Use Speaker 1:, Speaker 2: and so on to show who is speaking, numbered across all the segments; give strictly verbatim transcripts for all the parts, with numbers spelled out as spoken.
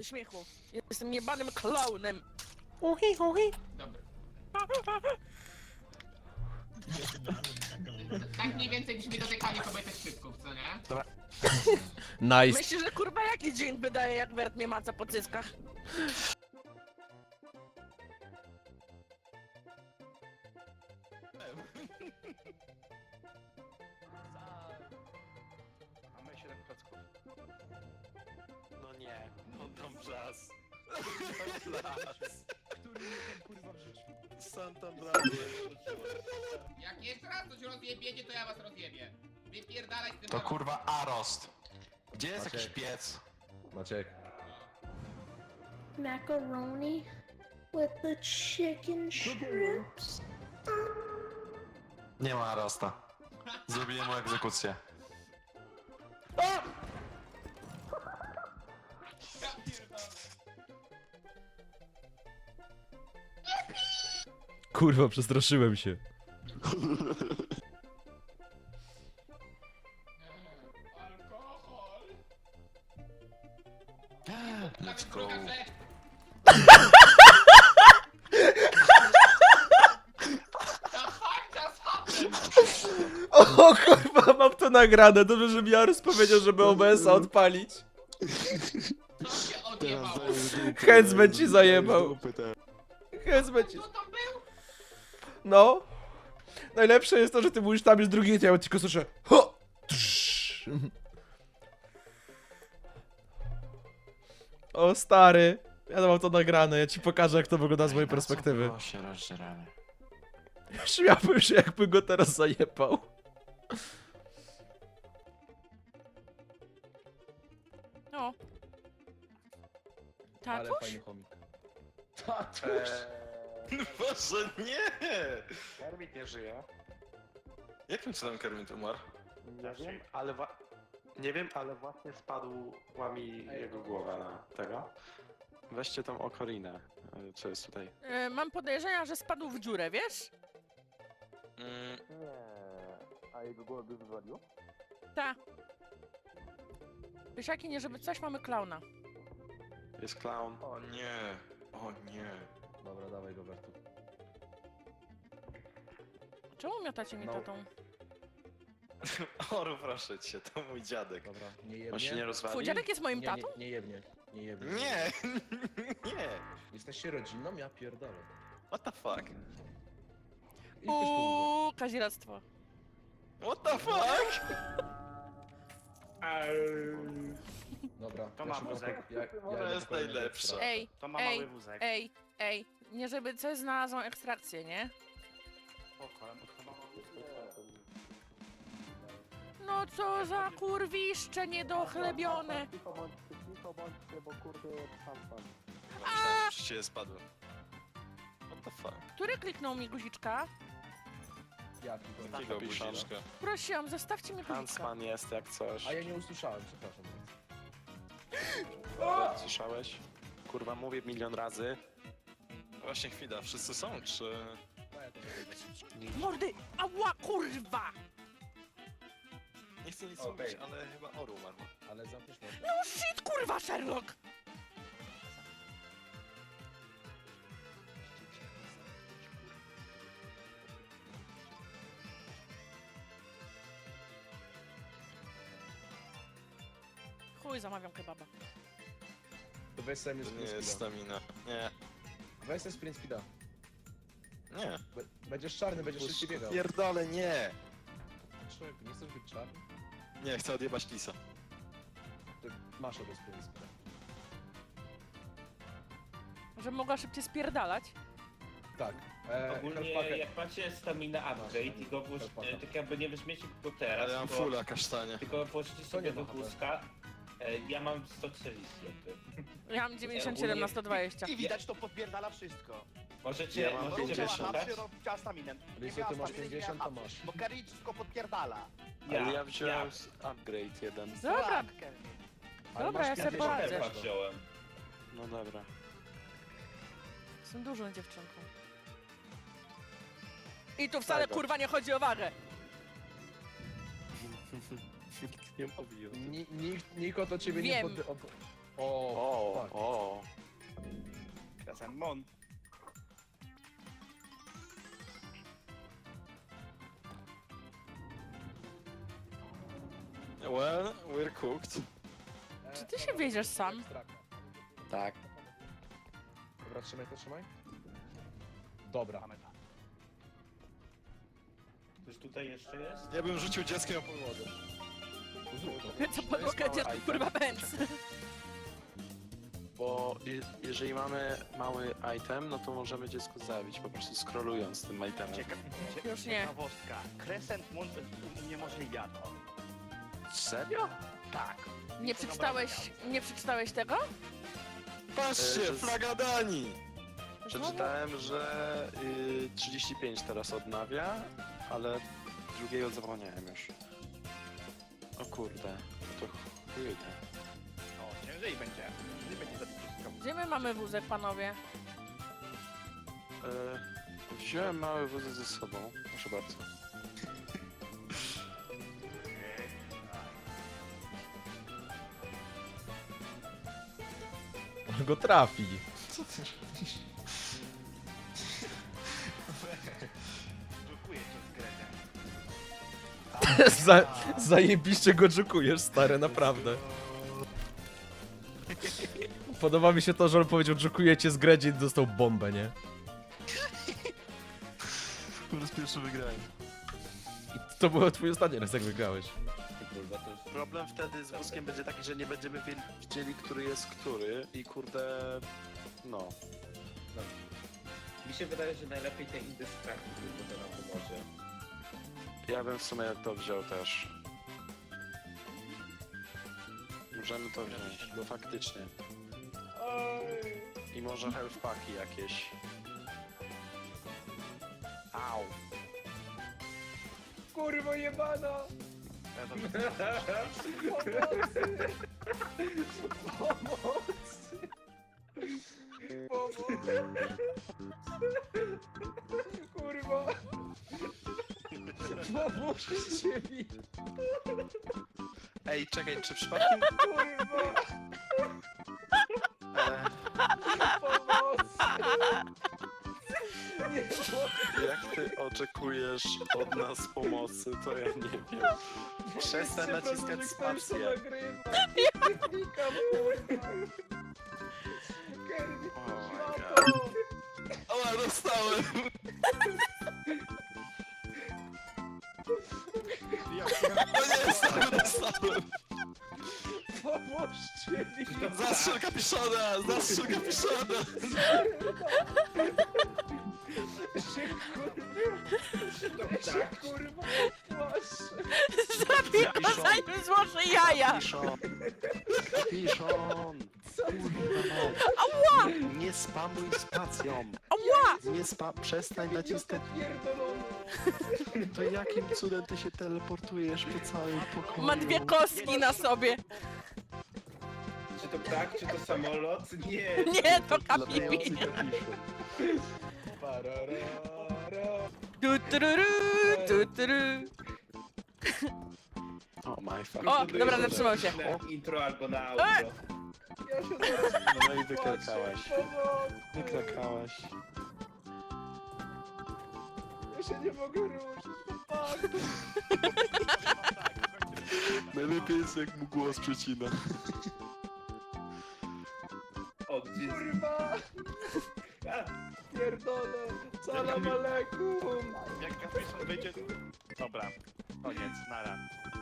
Speaker 1: śmiechu. Jestem jebanym klaunem.
Speaker 2: Uhi, uhi.
Speaker 3: Dobra. Tak mniej więcej brzmi dotykanie kobiety szczypków, co nie?
Speaker 2: Dobra.
Speaker 4: Nice.
Speaker 1: Myślisz, że kurwa jaki dzień wydaje, jak Wert mnie maca po cyckach?
Speaker 2: Mamy siedem klocków. No nie, no tam czas. Który mnie ten kurwa wrzucił? Santa Bravia.
Speaker 3: Jak jeszcze raz coś rozjebiecie, to ja was rozjebię. Wypierdalaj z tym
Speaker 5: To
Speaker 3: rolą.
Speaker 5: kurwa Arost. Gdzie jest
Speaker 6: Maciek.
Speaker 5: jakiś piec?
Speaker 6: Maciek.
Speaker 7: Macaroni with the chicken strips.
Speaker 5: Nie ma Arosta. Zrobiłem mu egzekucję.
Speaker 3: Ja pierdolę.
Speaker 4: Kurwa, przestraszyłem się.
Speaker 3: Alkohol.
Speaker 5: Let's go.
Speaker 3: Druga rzecz. Ta fakta z hatem.
Speaker 4: O kurwa, mam to nagrane. Dobrze, że mi Jarus powiedział, żeby O B S-a odpalić.
Speaker 3: Co się odjebało?
Speaker 4: Hędzmen ci zajebał. Hędzmen ci...
Speaker 3: Co tam był?
Speaker 4: No. Najlepsze jest to, że ty mówisz tam jest drugi, ja tylko słyszę ho! Trz. O stary. Ja mam to nagrane, ja ci pokażę jak to wygląda z mojej perspektywy.
Speaker 5: O, się rozdzieramy.
Speaker 4: Śmiałbym się jakby go teraz zajebał.
Speaker 1: No.
Speaker 6: Ale
Speaker 1: Tatuś?
Speaker 6: fajny chomik.
Speaker 5: Boże, nie!
Speaker 2: Kermit nie żyje.
Speaker 5: Jakim cudem Kermit umarł?
Speaker 2: Nie wiem, ale wa- nie wiem, ale właśnie spadła mi jego głowa na tego. Weźcie tą okorinę, e, co jest tutaj.
Speaker 1: E, mam podejrzenia, że spadł w dziurę, wiesz?
Speaker 5: Mm,
Speaker 2: Nie, a jego głowę by wywaliło?
Speaker 1: Ta. Pysiaki, nie żeby coś, mamy klauna.
Speaker 2: Jest clown.
Speaker 5: o nie, o nie.
Speaker 6: Dobra, dawaj go Wertu.
Speaker 1: Czemu miotacie mi
Speaker 6: No.
Speaker 1: tatą?
Speaker 5: Oru, proszę cię, to mój dziadek.
Speaker 6: Dobra, nie jebnie.
Speaker 2: On się nie rozwali?
Speaker 1: Twój dziadek jest moim
Speaker 6: nie,
Speaker 1: tatą?
Speaker 6: nie, nie jebnie. Nie jebnie.
Speaker 5: Nie, nie.
Speaker 6: Jesteście rodziną? Ja pierdolę.
Speaker 5: What the fuck?
Speaker 6: I ktoś pomógł.
Speaker 1: Uuu, kaziractwo.
Speaker 5: What the fuck?
Speaker 6: Dobra,
Speaker 2: To
Speaker 6: ja
Speaker 2: ma
Speaker 6: szukam
Speaker 2: wózek.
Speaker 6: po- ja, ja
Speaker 5: To
Speaker 6: idę
Speaker 5: jest
Speaker 6: po kolejnego
Speaker 5: najlepsze.
Speaker 6: ekstra.
Speaker 1: Ej,
Speaker 2: To ma
Speaker 1: ej,
Speaker 2: mały wózek.
Speaker 1: ej, ej. Nie żeby coś znalazłam ekstrakcję, nie?
Speaker 2: Spoko, bo to ma mały wózek.
Speaker 1: No co za kurwiszcze niedochlebione.
Speaker 2: Cicho bądźcie, cicho bądźcie, bo kurde sam pan.
Speaker 5: Myślałem, że się spadło. What the fuck?
Speaker 1: Który kliknął mi guziczka?
Speaker 6: Jaki to?
Speaker 5: Jakiego guziczka?
Speaker 1: Prosiłam, zostawcie mi guziczka.
Speaker 2: Hansman jest jak coś.
Speaker 6: A ja nie usłyszałem, przepraszam.
Speaker 2: Słyszałeś? Kurwa, mówię milion razy.
Speaker 5: Właśnie chwila, wszyscy są, czy...
Speaker 6: A ja to nie
Speaker 1: Mordy! Ała, kurwa!
Speaker 5: Nie chcę nic
Speaker 6: Okej.
Speaker 5: mówić, ale chyba Oru umarł.
Speaker 6: Ale zamkniesz mordę.
Speaker 1: No shit, kurwa, Sherlock! Chuj, zamawiam kebaba.
Speaker 6: To weź sobie
Speaker 5: To nie
Speaker 6: sprint
Speaker 5: jest
Speaker 6: speeda.
Speaker 5: stamina. Nie,
Speaker 6: Weź sobie sprint speeda.
Speaker 5: nie.
Speaker 6: Be- Będziesz czarny, będziesz szybciej biegał.
Speaker 5: Pierdolę, nie!
Speaker 6: Człowieku, nie chcesz być czarny?
Speaker 5: Nie, chcę odjebać Lisa.
Speaker 6: To masz obo sprint speeda.
Speaker 1: Że mogła szybciej spierdalać?
Speaker 6: Tak. E,
Speaker 8: Ogólnie
Speaker 6: Hellpacker.
Speaker 8: jak macie stamina upgrade i go włóż,
Speaker 6: Hellpacker.
Speaker 8: e, tak jakby nie weźmiecie go teraz,
Speaker 5: Ale ja mam
Speaker 8: tylko,
Speaker 5: fulla kasztanie.
Speaker 8: tylko włożycie
Speaker 6: To
Speaker 8: sobie
Speaker 6: nie
Speaker 8: do
Speaker 6: ma H P.
Speaker 8: wózka. E, ja mam sto czterdzieści jakby.
Speaker 1: Ja mam dziewięćdziesiąt siedem na sto dwadzieścia.
Speaker 9: I widać, to podpierdala wszystko.
Speaker 8: Możecie,
Speaker 2: Ja mam
Speaker 8: możecie
Speaker 2: pięćdziesiąt.
Speaker 8: wyszukać.
Speaker 9: Chciała staminę.
Speaker 6: Lisu, ty masz pięćdziesiąt, to masz.
Speaker 9: Bo Kerry wszystko podpierdala.
Speaker 8: Ja,
Speaker 2: Ale ja wziąłem
Speaker 8: ja.
Speaker 2: z upgrade jeden.
Speaker 1: Dobra,
Speaker 9: Tak, Kerry.
Speaker 6: Ale
Speaker 1: dobra,
Speaker 6: masz
Speaker 1: ja sobie
Speaker 6: pięćdziesiąt
Speaker 1: poradzę.
Speaker 8: Też wziąłem.
Speaker 2: No dobra.
Speaker 1: Jestem dużą dziewczynką. I tu wcale
Speaker 2: Tak,
Speaker 1: kurwa nie chodzi o wagę.
Speaker 2: Nikt nie mówi o tym.
Speaker 6: Ni- Nikt, nikt o to ciebie
Speaker 1: Wiem.
Speaker 6: nie pod... O, o,
Speaker 2: O,
Speaker 6: fuck.
Speaker 2: o,
Speaker 9: Mon.
Speaker 2: Well, we're cooked.
Speaker 1: Czy ty się wiedziesz sam?
Speaker 2: Tak.
Speaker 6: Dobra, trzymaj to, trzymaj. Dobra.
Speaker 8: Ktoś tutaj jeszcze jest?
Speaker 5: Ja bym rzucił dzieckiem o podłogę.
Speaker 1: Co podłogę
Speaker 2: mały
Speaker 1: dziecku,
Speaker 2: item.
Speaker 1: kurwa, bęc.
Speaker 2: Bo je, jeżeli mamy mały item, no to możemy dziecko zabić, po prostu scrollując tym itemem.
Speaker 9: Cieka
Speaker 1: Już nie.
Speaker 9: ciekawostka. Crescent Moon uniemożliwia to.
Speaker 2: Serio?
Speaker 9: Tak.
Speaker 1: Nie przeczytałeś, nie przeczytałeś tego?
Speaker 5: Patrzcie,
Speaker 2: E,
Speaker 5: flaga Danii!
Speaker 2: Przeczytałem, że y, trzydzieści pięć teraz odnawia, ale drugiego zapomniałem już. O kurde, no to chujnie.
Speaker 9: O, ciężej będzie. Ciężej będzie zabić wszystko.
Speaker 1: Gdzie my mamy wózek, panowie?
Speaker 2: E, wziąłem mały wózek ze sobą, proszę bardzo.
Speaker 4: On go trafi.
Speaker 9: Dziękuję cię z Grezem.
Speaker 4: Za, zajebiście go dżukujesz, stary, naprawdę. Podoba mi się to, że on powiedział, dżukuję cię z Gredzie i dostał bombę, nie?
Speaker 5: Po raz pierwszy wygrałem.
Speaker 4: I to był twój ostatni raz, jak wygrałeś.
Speaker 8: Kurwa, to jest...
Speaker 2: Problem wtedy z wózkiem będzie taki, że nie będziemy wi- wiedzieli, który jest który i kurde, no.
Speaker 8: Mi się wydaje, że najlepiej te indystraktki, bo to nam pomoże.
Speaker 2: Ja bym w sumie to wziął też. Możemy to wziąć, bo faktycznie. I może health packi jakieś. Au.
Speaker 6: Kurwa jebana!
Speaker 9: Ja to
Speaker 6: Pomocy! Pomocy! Kurwa! Pomóżcie mi!
Speaker 2: Ej, czekaj, czy przypadkiem...
Speaker 6: Kurwa!
Speaker 2: E,
Speaker 6: Pomocy! Nie mogę!
Speaker 2: jak ty oczekujesz od nas pomocy, to ja nie wiem. Przestań
Speaker 6: Wiecie,
Speaker 2: naciskać
Speaker 6: że ktoś to
Speaker 2: spację.
Speaker 6: nagrywa. Nie klikam, kurwa! Kermit,
Speaker 2: Oh my
Speaker 6: szmato!
Speaker 5: Oła, dostałem! O nie, dostałem, dostałem!
Speaker 6: Pomóżcie mi!
Speaker 5: Zastrzel kapiszona! Zastrzel kapiszona!
Speaker 6: Się kurwa! Się kurwa! Płaszę!
Speaker 1: Zabił go, zanim złoży jaja!
Speaker 2: Piszon! Piszon!
Speaker 6: Co?
Speaker 1: Ała!
Speaker 2: Nie spamuj spacją!
Speaker 1: Ała!
Speaker 2: Nie spa... Przestań naciskać...
Speaker 6: Pierdolony!
Speaker 2: To jakim cudem ty się teleportujesz po całym pokoju?
Speaker 1: Ma dwie kostki na sobie.
Speaker 8: Czy to ptak, czy to samolot? Nie!
Speaker 1: Nie, to
Speaker 2: Latający
Speaker 1: kapipi.
Speaker 2: kapiszon.
Speaker 6: Pararara.
Speaker 1: Tu, tururu, tu, turu.
Speaker 2: O my fuck.
Speaker 1: O, dobra, zatrzymał się.
Speaker 8: Na intro albo na outro.
Speaker 6: Ja się zaraz
Speaker 2: No i wykrakałaś.
Speaker 6: pomocy!
Speaker 2: Wykrakałaś.
Speaker 6: Ja się nie mogę ruszyć, fuck!
Speaker 5: Najlepiej jest jak mu głos przecina.
Speaker 8: O, gdzie jest...
Speaker 6: Kurwa!
Speaker 8: A,
Speaker 6: Pierdolę! Salam aleikum!
Speaker 9: Jak kapiszon wyjdzie... Dobra, koniec, nara.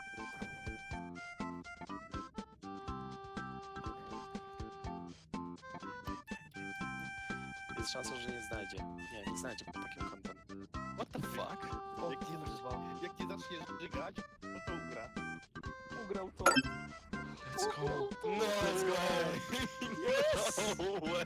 Speaker 2: Jest szansa, że nie znajdzie. Nie, nie znajdzie pod takim kątem.
Speaker 5: What the fuck?
Speaker 9: Jak nie, jak nie zaczniesz żygać, no to ugra.
Speaker 6: Ugrał to.
Speaker 2: Let's go.
Speaker 5: No, let's go! No way!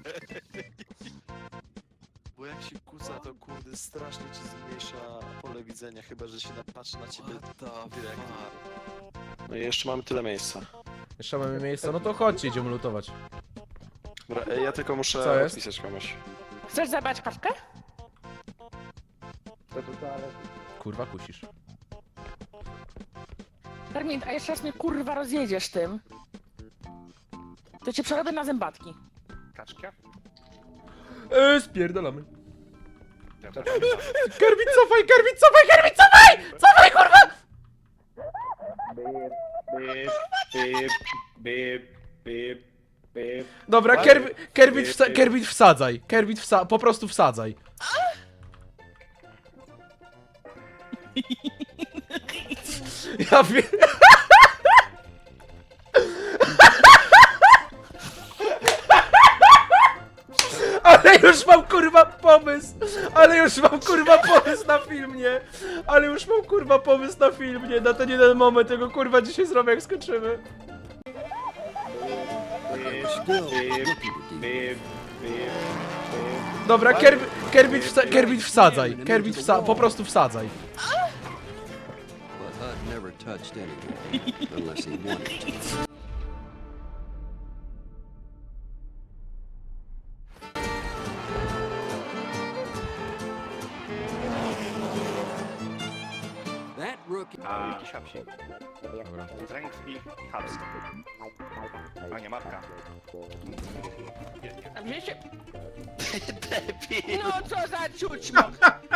Speaker 2: Bo jak się kuca, to kurde strasznie ci zmniejsza pole widzenia, chyba że się napatrzy na ciebie direkt. No i jeszcze mamy tyle miejsca.
Speaker 4: Jeszcze mamy miejsce, no to chodźcie, idziemy lutować.
Speaker 2: Dobra, ej, ja tylko muszę
Speaker 4: Co jest?
Speaker 2: odpisać komuś.
Speaker 1: Chcesz zabrać kartkę?
Speaker 4: Kurwa, kusisz.
Speaker 1: Termin, a jeszcze raz mnie kurwa rozjedziesz tym. To cię przerobię na zębatki.
Speaker 9: Kaczka?
Speaker 4: Eee, spierdolamy. Kermit, cofaj, Kermit, cofaj, Kermit, cofaj! Cofaj, kurwa!
Speaker 8: Bip, bip, bip, bip, bip.
Speaker 4: Dobra, Kermit, Kermit, wsa Kermit wsadzaj. Kermit wsa po prostu wsadzaj. Ja wiem. Ale już mam kurwa pomysł! Ale już mam kurwa pomysł na film, nie? Ale już mam kurwa pomysł na film, nie? Na ten jeden moment tego kurwa dzisiaj zrobię, jak skończymy.
Speaker 8: Bip, bip, bip, bip.
Speaker 4: Dobra, Kermit, Kermit, wsa Kermit wsadzaj. Kermit wsa po prostu wsadzaj.
Speaker 10: But Hud never touched anything unless he wanted to. That rookie.
Speaker 9: A, jakiś hapsi. Strength i haps. A nie, marka.
Speaker 1: A wzięcie... No co za ciućmo!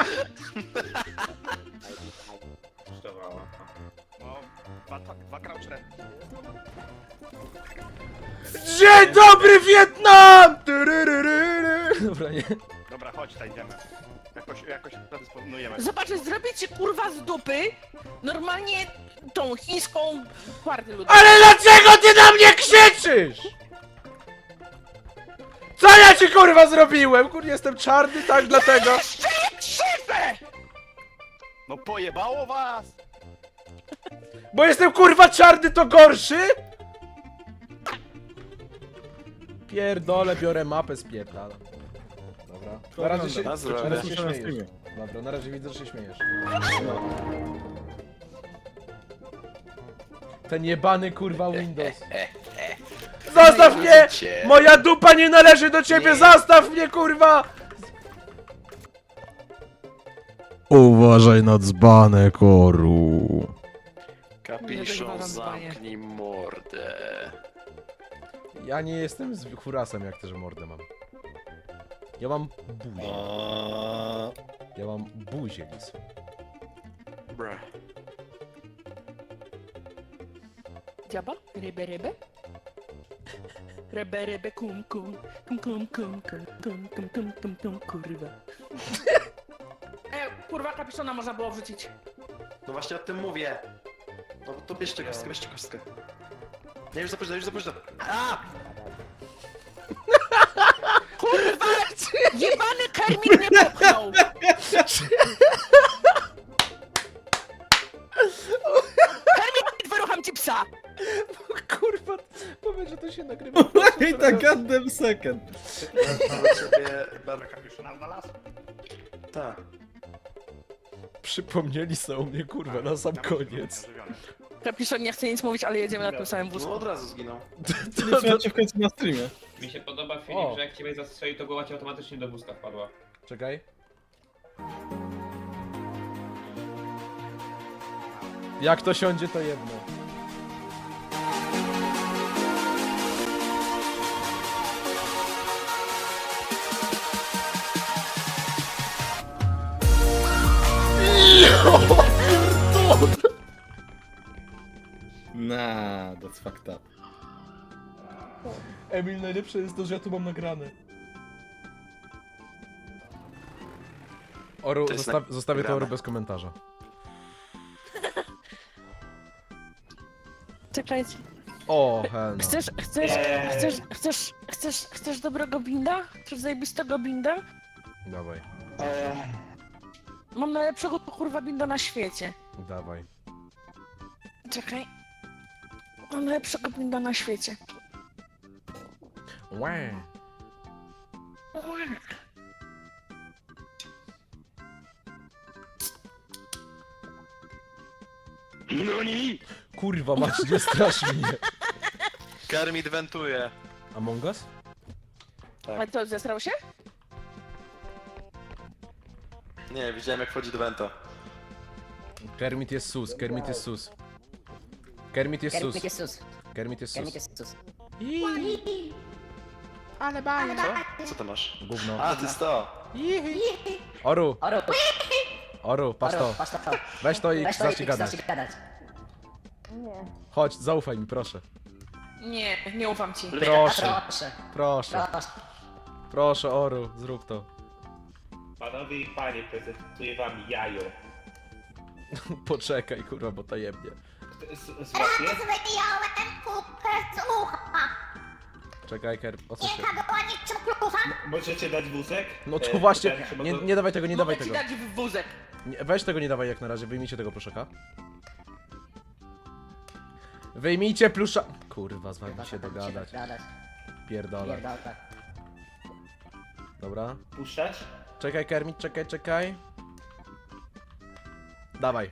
Speaker 8: Kosztowała.
Speaker 9: No, dwa, dwa, dwa crouchere.
Speaker 4: Dzień dobry, Wietnam! Tyryryryry. Dobra, nie.
Speaker 9: Dobra, chodź, tutaj idziemy. Jakoś, jakoś predysponujemy.
Speaker 1: Zobaczę, zrobię ci kurwa z dupy normalnie tą chińską partię ludową.
Speaker 4: Ale dlaczego ty na mnie krzyczysz? Co ja ci kurwa zrobiłem? Kur, jestem czarny, tak dlatego.
Speaker 1: Jeszcze nie krzywę!
Speaker 9: No pojebało was!
Speaker 4: Bo jestem kurwa czarny, to gorszy? Pierdolę, biorę mapę, spierdalam. Dobra. Na razie się,
Speaker 2: Na
Speaker 4: na
Speaker 2: zdrowie.
Speaker 4: razie się śmiejesz. Dobra, na razie widzę, że się śmiejesz. Ten jebany kurwa Windows. Zostaw mnie! Moja dupa nie należy do ciebie, zostaw mnie kurwa! Uważaj na dzbanę, koru.
Speaker 2: Kapiszon, zamknij mordę.
Speaker 4: Ja nie jestem z hurasem, jak też mordę mam. Ja mam buzię. Ja mam buzię, lis.
Speaker 2: Bra.
Speaker 1: Dziaba? Rybę, rybę? Rybę, rybę, kum, kum, kum, kum, kum, kum, kum, kum, kum, kum, kum, kurwa. E, kurwa, kapiszona można było wrzucić.
Speaker 2: No właśnie o tym mówię. No to bierzcie kostkę, bierzcie kostkę. Nie, już za późno, już za późno. A!
Speaker 1: Kurwa! Jebany Kermit mnie popchnął! Kermit, wyrucham ci psa!
Speaker 4: Kurwa, powiedz, że to się nagrywa.
Speaker 6: Wait a goddamn second.
Speaker 2: Dla ciebie bardzo...
Speaker 9: Kapiszona znalazł?
Speaker 2: Tak.
Speaker 4: Przypomnieli sobie o mnie, kurwa, na sam koniec.
Speaker 1: Kapiszon nie chce nic mówić, ale jedziemy na tym samym
Speaker 2: No
Speaker 1: wózku.
Speaker 2: od razu zginął.
Speaker 6: To, to w końcu na streamie.
Speaker 8: Mi się podoba, Filip,
Speaker 4: O.
Speaker 8: że jak ciebie zastrzeli, to głowa ci automatycznie do wózka wpadła.
Speaker 4: Czekaj. Jak to siądzie, to jedno.
Speaker 6: Nah, that's fucked up.
Speaker 4: Emil, najlepsze jest to, że ja tu mam nagrane. Oru,
Speaker 2: To jest
Speaker 4: zosta zostawię to
Speaker 2: nagrane.
Speaker 4: Oru bez komentarza.
Speaker 1: Czekajcie.
Speaker 4: O, hell no.
Speaker 1: Chcesz, chcesz, chcesz, chcesz, chcesz, chcesz dobrego binda? Chcesz zajebistego binda?
Speaker 4: Dawaj,
Speaker 1: Mam najlepszego kurwa binda na świecie.
Speaker 4: dawaj.
Speaker 1: Czekaj. Mam najlepszego binda na świecie.
Speaker 4: Łe.
Speaker 2: No nie!
Speaker 4: Kurwa, masz, nie strasz mnie.
Speaker 2: Kermit wentuje.
Speaker 4: Among Us?
Speaker 2: Tak.
Speaker 1: Ale co, zesrał się?
Speaker 2: Nie, widziałem jak wchodzi do Vento.
Speaker 4: Kermit jest sus, Kermit jest sus. Kermit jest sus.
Speaker 11: Kermit jest sus.
Speaker 4: Kermit jest
Speaker 11: Kermit
Speaker 4: sus.
Speaker 11: jest sus.
Speaker 4: Iii. Ale baja.
Speaker 2: Co? Co to masz?
Speaker 4: Gówno.
Speaker 2: A, to jest to!
Speaker 4: Jihi. Oru,
Speaker 7: Oru,
Speaker 4: Oru, patrz to.
Speaker 7: patrz to.
Speaker 4: Weź to i
Speaker 7: Weź to i
Speaker 4: zacznij gadać.
Speaker 7: zacznij gadać.
Speaker 4: Chodź, zaufaj mi, proszę.
Speaker 1: Nie, nie ufam ci.
Speaker 4: Proszę,
Speaker 7: Proszę,
Speaker 4: proszę,
Speaker 7: proszę.
Speaker 4: proszę, Oru, zrób to.
Speaker 8: Panowie i panie, prezentuję wam jajo.
Speaker 4: Poczekaj, kurwa, bo tajemnie.
Speaker 8: Z- z- Złapie?
Speaker 7: Wyjąłem kupę z ucha.
Speaker 4: Czekaj, Ker, o co się...
Speaker 7: była niczym klucha.
Speaker 8: Możecie dać wózek?
Speaker 4: No
Speaker 8: E,
Speaker 4: to właśnie,
Speaker 8: pytanie, czy
Speaker 4: nie,
Speaker 8: mogę-
Speaker 4: nie dawaj tego, nie dawaj
Speaker 1: Mogę ci
Speaker 4: tego.
Speaker 1: dać w wózek.
Speaker 4: Nie, weź tego nie dawaj jak na razie, wyjmijcie tego pluszaka. Wyjmijcie plusza... Kurwa, z wami się dogadać. Pierdolę.
Speaker 7: Pierdolę.
Speaker 4: Dobra.
Speaker 8: Puszczać?
Speaker 4: Czekaj, Kermit, czekaj, czekaj. Dawaj.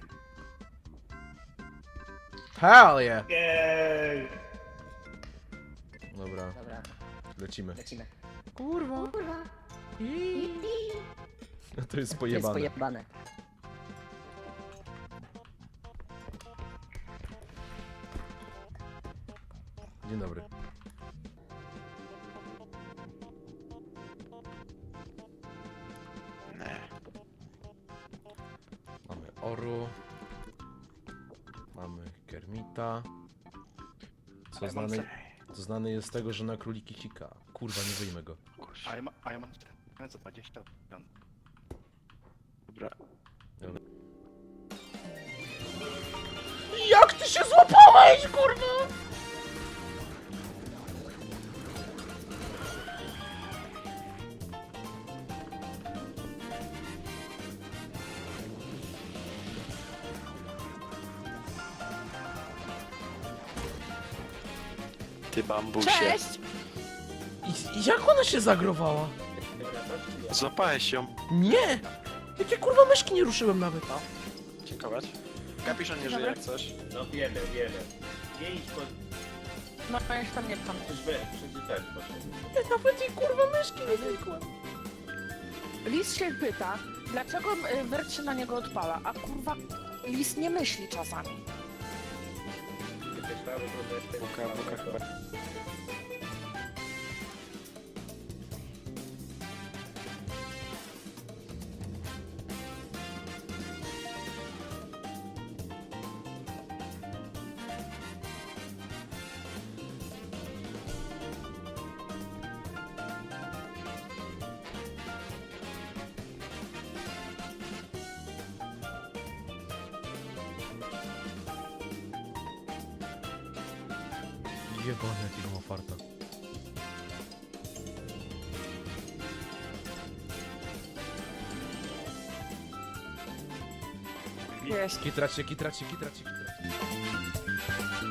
Speaker 4: Hell yeah!
Speaker 8: Jej!
Speaker 4: Dobra,
Speaker 7: Dobra,
Speaker 4: lecimy.
Speaker 7: lecimy.
Speaker 4: Kurwa.
Speaker 7: Kurwa,
Speaker 4: No to jest
Speaker 7: to jest
Speaker 4: pojebane.
Speaker 7: pojebane.
Speaker 4: Dzień dobry.
Speaker 2: Nie.
Speaker 4: Mamy Oru. Mamy Kermita. Co znany, co znany jest z tego, że na króliki sika. Kurwa, nie wyjmę go.
Speaker 9: A ja, ma, a ja mam za dwadzieścia.
Speaker 2: Dobra.
Speaker 4: Jak ty się złapałeś, kurwa?
Speaker 2: Ty bambusie.
Speaker 1: Cześć!
Speaker 4: I, i jak ona się zagrowała?
Speaker 2: Złapałeś ją.
Speaker 4: Nie! Jakie kurwa myszki nie ruszyłem nawet.
Speaker 2: Dziękować. Kapiszon nie żyje jak coś.
Speaker 8: No wiemy, wiemy. Nie idź po...
Speaker 1: No ja się tam nie pcham.
Speaker 8: Przecież wy, przecież ten, proszę.
Speaker 4: Ja nawet jej kurwa myszki nie zwykłem.
Speaker 1: Lis się pyta, dlaczego y, Wert się na niego odpala, a kurwa Lis nie myśli czasami.
Speaker 2: Buka, buka chyba.
Speaker 4: Jebany jakiego ma farta.
Speaker 1: Jest.
Speaker 4: Kitracie, kitracie, kitracie, kitracie.